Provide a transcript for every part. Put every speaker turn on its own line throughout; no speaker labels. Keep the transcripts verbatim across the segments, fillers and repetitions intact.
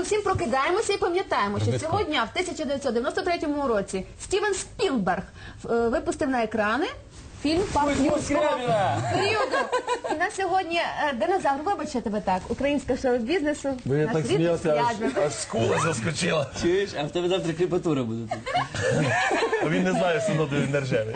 всім прокидаємося і пам'ятаємо, що цього дня, в тисяча дев'ятсот дев'яносто третьому році, Стівен Спілберг е, випустив на екрани фільм «Парк юрського періоду». І на сьогодні е, динозавр, вибачте тебе так, українська шоу-бізнесу.
Бо я
наш
так
рідний
сміявся,
Скрябін.
аж, аж скула заскочила.
Чуєш? А в тебе завтра кріпатура буде тут.
А він не знає, що воно не рже.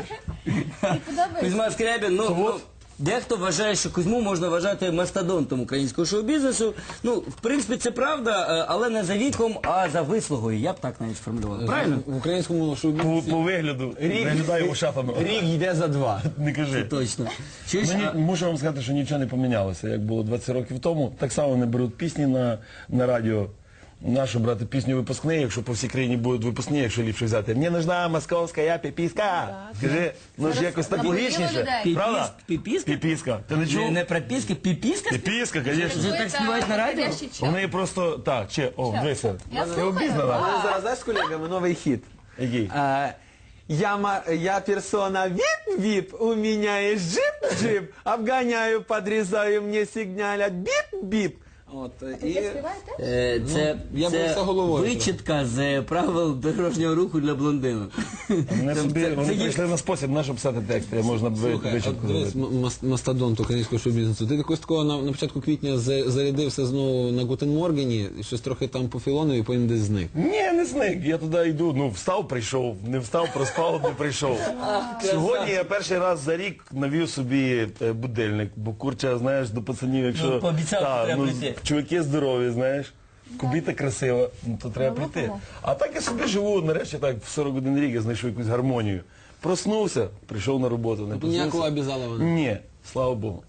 Кузьма Скрябін, ну, ну, дехто вважає, що Кузьму можна вважати мастодонтом українського шоу-бізнесу. Ну, в принципі, це правда, але не за віком, а за вислугою. Я б так навіть сформулював. Правильно?
В українському
По,
шоу-бізнесі
по вигляду виглядає ушатами.
рік йде за два.
Не кажи.
Точно. Чуєш?
Мені,
а-
мушу вам сказати, що нічого не помінялося, як було двадцять років тому. Так само не беруть пісні на, на радіо. Нашу брати пісню випускний, якщо по всій країні будуть випускні, якщо ліпше взяти. Мені нужна московська піпіска. Скажи, ну ж якось так
набудили
логічніше.
людей.
Правда?
Піпіска?
Піпіска. Ти не
Не,
чув?
не прописка, піпіска?
Піпіска, звісно.
Вже так співають на радіо?
Вони просто, так, чи, о, дивися.
Я
Ти
слухаю.
обізнана?
У мене зараз, знаєш, з колегами новий хіт.
Який?
А, Я, ма- я персона вип-вип, у меня есть джип-джип, обгоняю, подрезаю, мне сигналят бип-бип. От, і...
Е, Це,
я був
це
за головою
вичитка з правил дорожнього руху для блондинок.
Вони
Це-
собі,
це-
вони
це є-
прийшли на спосіб, на що писати тексти, можна б
Слухай,
вичатку
от дивись,
зробити.
м- мас- мастодонт українського шоу-бізнесу. Ти якось такого на, на початку квітня за- зарядився знову на Гутенморгені, і щось трохи там по філону і потім десь зник.
Ні, не зник, я туди йду, ну встав, прийшов, не встав, проспав, не прийшов. Сьогодні я перший раз за рік навів собі е, будильник, бо курча, знаєш, до пацанів, якщо...
Ну, пообіцяв,
Та,
що треба
ну,
прийти.
чуваки здорові, знаєш, кубіта красива, ну, то треба прийти. А так я собі живу, нарешті так, в сорок один рік я знайшов якусь гармонію. Проснувся, прийшов на роботу, не
Тобто ніякого
проснувся.
обізалова не.
Ні, слава Богу.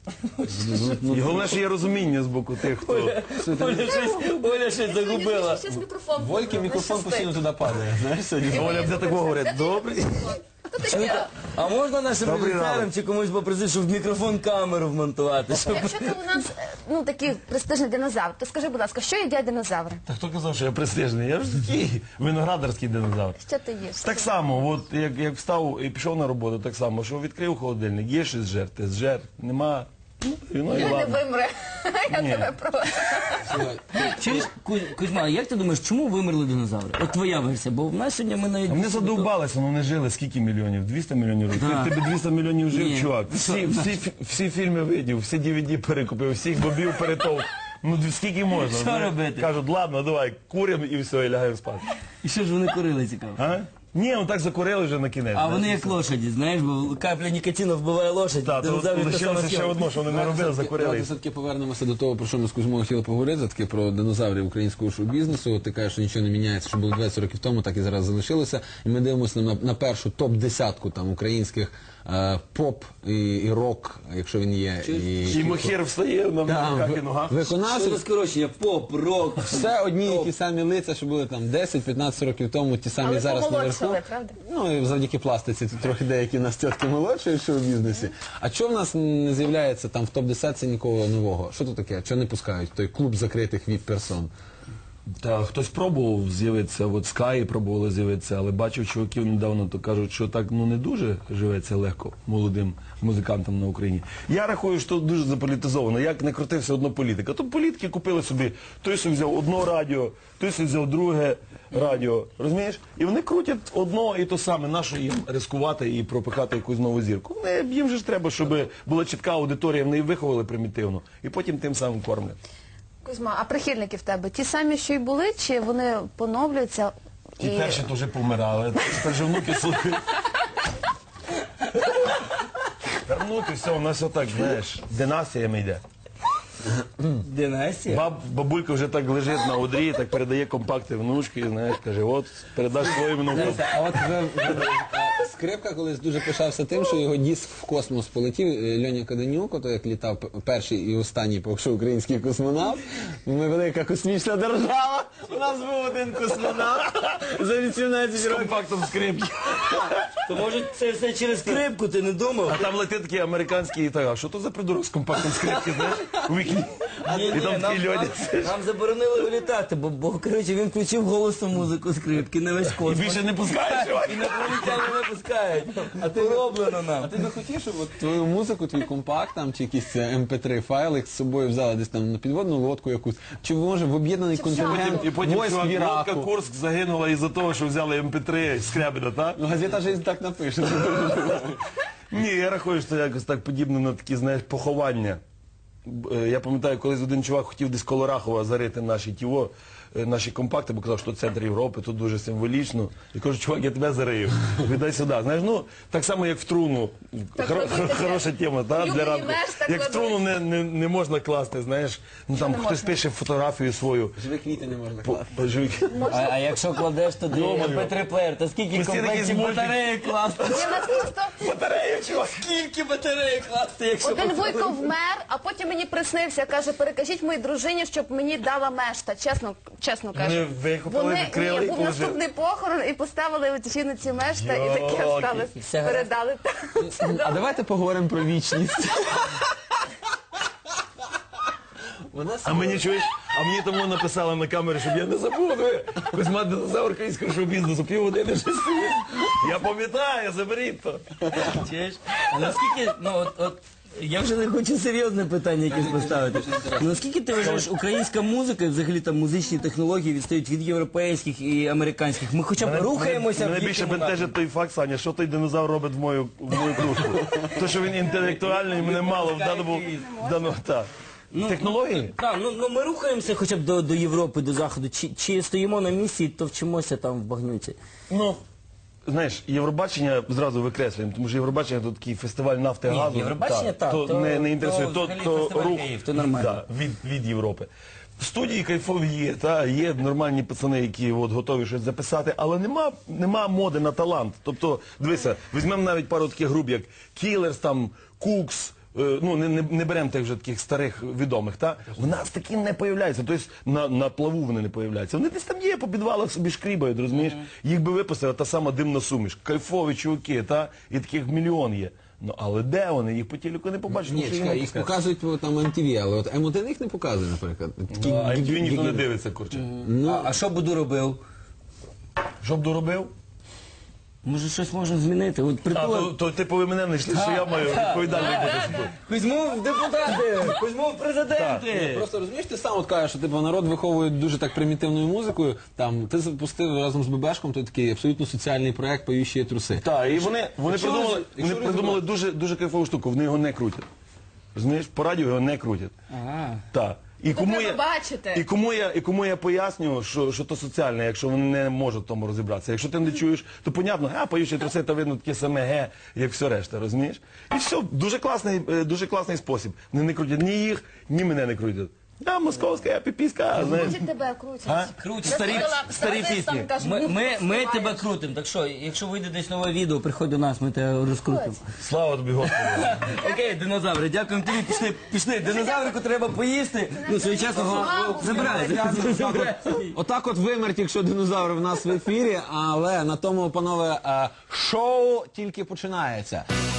І головне, що є розуміння з боку тих, хто...
Оля щось, Оля щось загубила.
Щас мікрофон.
Вольки мікрофон постійно туди падає, знаєш, сьогодні.
Оля буде такого говорить, добрий.
А можна нашим
Добрий
режисерам
ранок.
чи комусь попросити, щоб в мікрофон камеру вмонтувати? Щоб...
Якщо ти у нас е, ну, такий престижний динозавр, то скажи, будь ласка, що їдять динозаври?
Та хто казав, що я престижний? Я ж такий виноградарський динозавр.
Що ти їш?
Так само, от як, як встав і пішов на роботу, так само, що відкрив холодильник, є щось зжер, ти зжер, нема. Ну, і ну, і
Я не
ладно.
вимре. Я
Ні.
тебе прошу.
Чуєш, Кузь- Кузьма, як ти думаєш, чому вимерли динозаври? От твоя версія, бо в нас сьогодні ми навіть...
А Вони задовбалися, вони жили скільки мільйонів? двісті мільйонів років.
Да.
Ти тебе двісті мільйонів жив,
Ні.
чувак. Всі, всі, фі- всі фільми видів, всі ді ві ді перекупив, всіх бобів перетов. Ну д- скільки можна?
Що
Знаєш?
робити?
Кажуть, ладно, давай, куримо і все, і лягаємо спати.
І що ж вони курили, цікаво?
А? Ні, ну так закурили вже на кінець.
А
знаєш,
вони
і
як
все.
лошаді, знаєш, бо капля нікотину вбиває лошадь.
Так, то
динозаврів те саме
лишилося ще
схема.
одно, що вони не робили, закурили.
Давайте все-таки повернемося до того, про що ми з Кузьмою хотіли поговорити, таки про динозаврів українського шоу-бізнесу. Ти кажеш, що нічого не міняється, що було двадцять років тому, так і зараз залишилося. І ми дивимося на, на першу топ-десятку там українських е, поп і, і рок, якщо він є.
І мохір встає на
Там,
руках і
ви-
ногах.
Що
виконавці,
за скорочення? Поп, рок.
все одні і ті самі лиця, що були там десять-п'ятнадцять років тому, ті самі
Але
зараз наверху.
помолодшали, правда?
Ну і завдяки пластиці тут трохи деякі нас тітки молодші в шоу-бізнесі. А чого в нас не з'являється там в топ-десятці нікого нового? Що тут таке? Чого не пускають? Той клуб закритих віп-персон.
Та хтось пробував з'явитися, от Sky пробували з'явитися, але бачив чуваків недавно, то кажуть, що так ну не дуже живеться легко молодим музикантам на Україні. Я рахую, що дуже заполітизовано. Як не крути, все одно політика. То політики купили собі, той собі взяв одно радіо, той собі взяв друге радіо. Розумієш? І вони крутять одно і то саме. Нащо їм ризикувати і пропихати якусь нову зірку? Вони, їм же ж треба, щоб була чітка аудиторія, вони її виховали примітивно. І потім тим самим кормлять.
Кузьма, а прихильники в тебе ті самі, що й були, чи вони поновлюються?
Ті перші теж помирали, тепер же внуки слухають. Тепер внуки, все, у нас отак, знаєш, династіями йде.
Династія?
Баб, бабулька вже так лежить на одрі, так передає компакти внучки, знаєш, каже, от, передаш своїм внукам.
А от вже, вже, е, Скрипка колись дуже пишався тим, що його диск в космос полетів. Е, Льоня Каденюк, ото як літав п- перший і останній, поки що український космонавт. Ми велика космічна держава. У нас був один космонавт за вісімнадцять
З
років.
компактом скрипки.
То може це все через скрипку, ти не думав?
А там летить такий американський, і так, а що то за придурок з компактом скрипки, знаєш? У вікні
Ні,
І
ні,
там
нам,
ті
нам,
люди.
нам заборонили вилітати, бо, бо коротше, він включив голосну музику скрипки на весь
І
космос.
більше не пускаєш, чувак?
Інопланетяни не пускають. А ти роблено нам.
А ти би хотів, щоб от твою музику, твій компакт там, чи якийсь ем пі три файлик з собою взяли десь там на підводну лодку якусь, чи може в об'єднаний контингент
І потім
войск
чувак,
в
лодка
Іраку?
Курск загинула із-за того, що взяли ем пі три Скрябіна, так?
Ну, газета «Жизнь» так напише.
Ні, я рахую, що це якось так подібно на такі, знаєш, поховання. Б- е, Я пам'ятаю, колись один чувак хотів десь коло Рахова зарити наші тіво, е, наші компакти, бо казав, що центр Європи, тут дуже символічно. І кажу, чувак, я тебе зарию. Віддай сюди. Знаєш, ну, так само, як в труну.
Так
Хоро-
робити
хор-
це.
Хороша тема, та,
Юлії
для ранку.
Меш так
Як в труну
робить.
не, не, не можна класти, знаєш. Ну там
не
хтось
можна?
пише фотографію свою.
Живі квіти не можна
По-
класти.
по- живі-
А, а якщо кладеш туди
Йо-моє.
ем пі три плеєр, то скільки
Постійно
комплектів
якийсь мультик.
батареї класти?
Ні, в нас просто
Батарея, чувак!
Скільки батареї класти, якщо...
один Вуйко вмер, а потім мені приснився, каже, перекажіть моїй дружині, щоб мені дала мешта. Чесно, чесно кажу.
Вони викопали,
Вони,
відкрили
ні,
і
був
положили.
наступний похорон і поставили от жіноці мешта, і таке
Йоки.
осталось.
Все гаразд.
Передали.
А давайте поговоримо про вічність. Вона
А мені чуєш, а мені тому написали на камері, щоб я не забув. диви. Кузьма динозавр українського шоу-бізнесу, півгодини вже стоїть. Я пам'ятаю, заберіть то.
Чуєш? А наскільки, ну от, от, я вже не хочу серйозне питання якесь поставити. Ну, наскільки ти вважаєш, українська музика, і взагалі там музичні технології відстають від європейських і американських? Ми хоча б рухаємося
Мене
в
більше
їхньому
бентежить той факт, Саня, що той динозавр робить в мою, в мою кружку. То, що він інтелектуальний, мене мало в даному... в даному так. Технології?
Так, ну, ну ми рухаємося хоча б до, до Європи, до Заходу. Чи, чи стоїмо на місці, то вчимося там в багнюці?
Ну, знаєш, Євробачення зразу викреслюємо, тому що Євробачення то такий фестиваль нафти і
Ні,
газу.
Євробачення так,
то,
то-
не, не
то
інтересує. То,
взагалі
то,
фестиваль
рух
Київ, то нормально.
Да, від, від Європи. Студії кайфові є, та, є нормальні пацани, які от, готові щось записати, але нема, нема моди на талант. Тобто, дивися, візьмемо навіть пару таких груп, як Killers, там, Cooks, е, ну, не, не, не беремо тих вже таких старих відомих, та? В нас такі не появляються, тобто на, на плаву вони не появляються. Вони десь там є, по підвалах собі шкрібають, розумієш? Їх би випустила та сама димна суміш, кайфові чуваки, та? І таких мільйон є. Ну, але де вони? Їх по телеку не побачиш. тому
Ні,
що їх
чекай,
не
їх
пускають.
показують по там ем ті ві, але от ем один їх не показує, наприклад. Такі
А ем ті ві ніхто не
гі-
дивиться, курче.
А, а що Буду робив?
Що б доробив?
Може щось можна змінити? От
А,
притула...
то, то типу ви мене не йшли, що я маю відповідальний бути собою.
Кузьму в депутати, Кузьму в президенти.
Просто розумієш, ти сам от кажеш, що типу, народ виховує дуже так примітивною музикою. Там ти запустив разом з Бебешком той такий абсолютно соціальний проект «Поющі труси».
Так, і вони, вони
Якщо
придумали,
роз-
вони
якщо
придумали дуже, дуже кайфову штуку, вони його не крутять. Розумієш, по радіо його не крутять.
Ага.
Так. І кому,
треба
я,
бачити.
і, кому я, і кому я пояснюю, що, що то соціальне, якщо вони не можуть в тому розібратися. Якщо ти не чуєш, то понятно, а поючі труси, то видно таке саме ге, як все решта, розумієш? І все, дуже класний, е, дуже класний спосіб. Вони не крутять ні їх, ні мене не крутять. Я московська, я піпіська, знаєш.
Крутять тебе, крутять.
А?
Крутять.
Старі,
Слухала,
старі
старий
пісні.
там каже,
Ми,
«Ну,
ми, ми
співаєш».
тебе крутимо, так що, якщо вийде десь нове відео, приходь до нас, ми тебе розкрутимо.
Слава тобі, Господи.
Окей, динозаври, дякуємо тобі, пішли, пішли. Динозаврику треба поїсти. Ну, своєчасно го- забирай. забирай.
Отак от вимерть, якщо динозаври в нас в ефірі, але на тому, панове, е, шоу тільки починається.